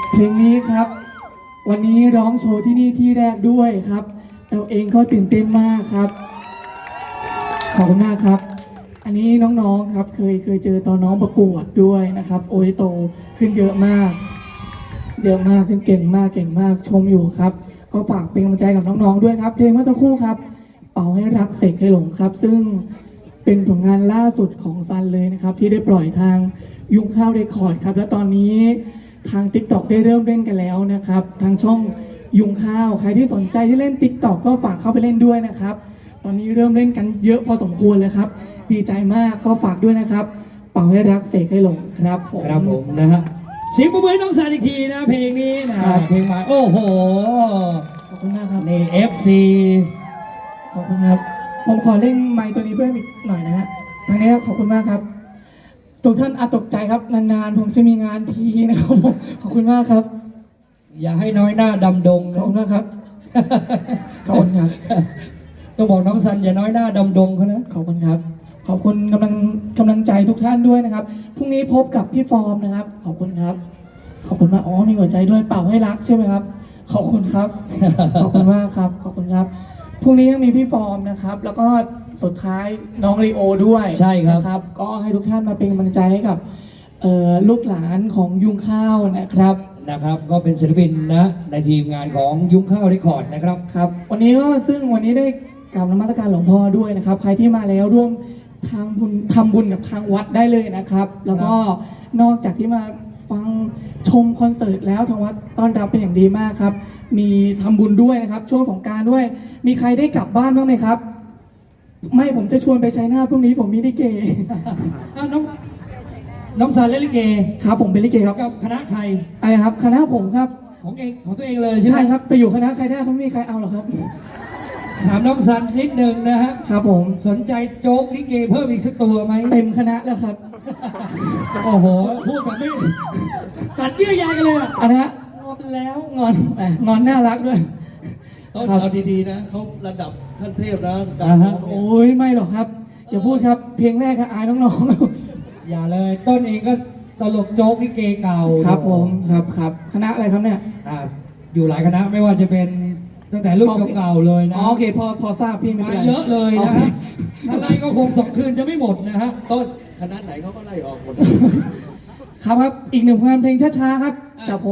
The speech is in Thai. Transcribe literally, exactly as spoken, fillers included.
เพลงนี้ครับวันนี้ร้องโชว์ที่นี่ที่แรกด้วยครับเราเองก็ตื่นเต้นมากครับขอบคุณมากครับอันนี้น้องๆครับเคยเคยเจอตอนน้องประกวดด้วยนะครับโอ้ยโตขึ้นเยอะมากเยอะมากขึ้นเก่งมากเก่งมากชมอยู่ครับก็ฝากเป็นกำลังใจกับน้องๆด้วยครับเพลงเมื่อสักครู่ครับเป่าให้รักเสกให้หลงครับซึ่งเป็นผลงานล่าสุดของซันเลยนะครับที่ได้ปล่อยทางยุงข้าวเรคคอร์ดครับและตอนนี้ทาง ติ๊กต็อก ได้เริ่มเล่นกันแล้วนะครับทางช่องยุงข้าวใครที่สนใจที่เล่น ติ๊กต็อก ก็ฝากเข้าไปเล่นด้วยนะครับตอนนี้เริ่มเล่นกันเยอะพอสมควรเลยครับดีใจมากก็ฝากด้วยนะครับเป่าให้รักเสกให้หลงครับผมครับผมนะฮะเสียงปรบมือให้น้องซันอีกทีนะเพลงนี้นะเพลงใหม่โอ้โหขอบคุณมากครับนี่ เอฟ ซีขอบคุณครับผมขอเล่นไมค์ตัวนี้เพิ่มอีกหน่อยนะฮะทางนี้ขอบคุณมากครับทุกท่านอาจตกใจครับนานๆผมจะมีงานทีนะครับผมขอบคุณมากครับอย่าให้น้อยหน้าดำดงขอบคุณมากครับขอบคุณครับต้องบอกน้องซันอย่าน้อยหน้าดำดงเขานะขอบคุณครับขอบคุณกำลังกำลังใจทุกท่านด้วยนะครับพรุ่งนี้พบกับพี่ฟอร์มนะครับขอบคุณครับขอบคุณมากอ๋อมีหัวใจด้วยเป่าให้รักใช่ไหมครับขอบคุณครับขอบคุณมากครับขอบคุณครับพรุ่งนี้ยังมีพี่ฟอร์มนะครับแล้วก็สุดท้ายน้องลีโอด้วยใช่ครับนะครับก็ให้ทุกท่านมาเป็นกำลังใจให้กับลูกหลานของยุงข้าวนะครับนะครับก็เป็นศิลปินนะในทีมงานของยุ้งข้าวเรคคอร์ดนะครับครับวันนี้ก็ซึ่งวันนี้ได้กราบนมัสการหลวงพ่อด้วยนะครับใครที่มาแล้วร่วมทางบุญทำบุญกับทางวัดได้เลยนะครับแล้วก็นอกจากที่มาฟังชมคอนเสิร์ตแล้วทางวัดต้อนรับเป็นอย่างดีมากครับมีทำบุญด้วยนะครับช่วงสงกรานต์ด้วยมีใครได้กลับบ้านบ้างไหมครับไม่ผมจะชวนไปชัยนาทพรุ่งนี้ผมมีลิเกน้องน้องซันเล่นลิเกครับผมเป็นลิเกครับกับคณะใครอะไรครับคณะผมครับของเองของตัวเองเลยใช่ไหมใช่ครับไปอยู่คณะใครได้เขาไม่มีใครเอาหรอกครับถามน้องซันนิดนึงนะฮะครับผมสนใจโจ๊กลิเกเพิ่มอีกสักตัวไหมเต็มคณะแล้วครับโอ้โหพูดแบบไม่ตัดเยื่อใยกันเลยอ่ะอันนี้งอนแล้วงอนงอนน่ารักด้วยต้นเอาดีๆนะเขาระดับขั้นเทพนะโอ้ยไม่หรอกครับอย่าพูดครับเพลงแรกครับอายน้องๆอย่าเลยต้นเองก็ตลกโจ๊กลิเกเก่าครับผมครับครับคณะอะไรครับเนี่ยอยู่หลายคณะไม่ว่าจะเป็นตั้งแต่รุ่นเก่าๆเลยนะโอเคพอพอทราบพี่ไม่เป็นไรเยอะเลยนะฮะอะไรก็คงสองคืนจะไม่หมดนะฮะต้นคณะไหนเขาก็ไล่ออกหมดครับครับอีกหนึ่งผลงานเพลงช้าๆครับจากผม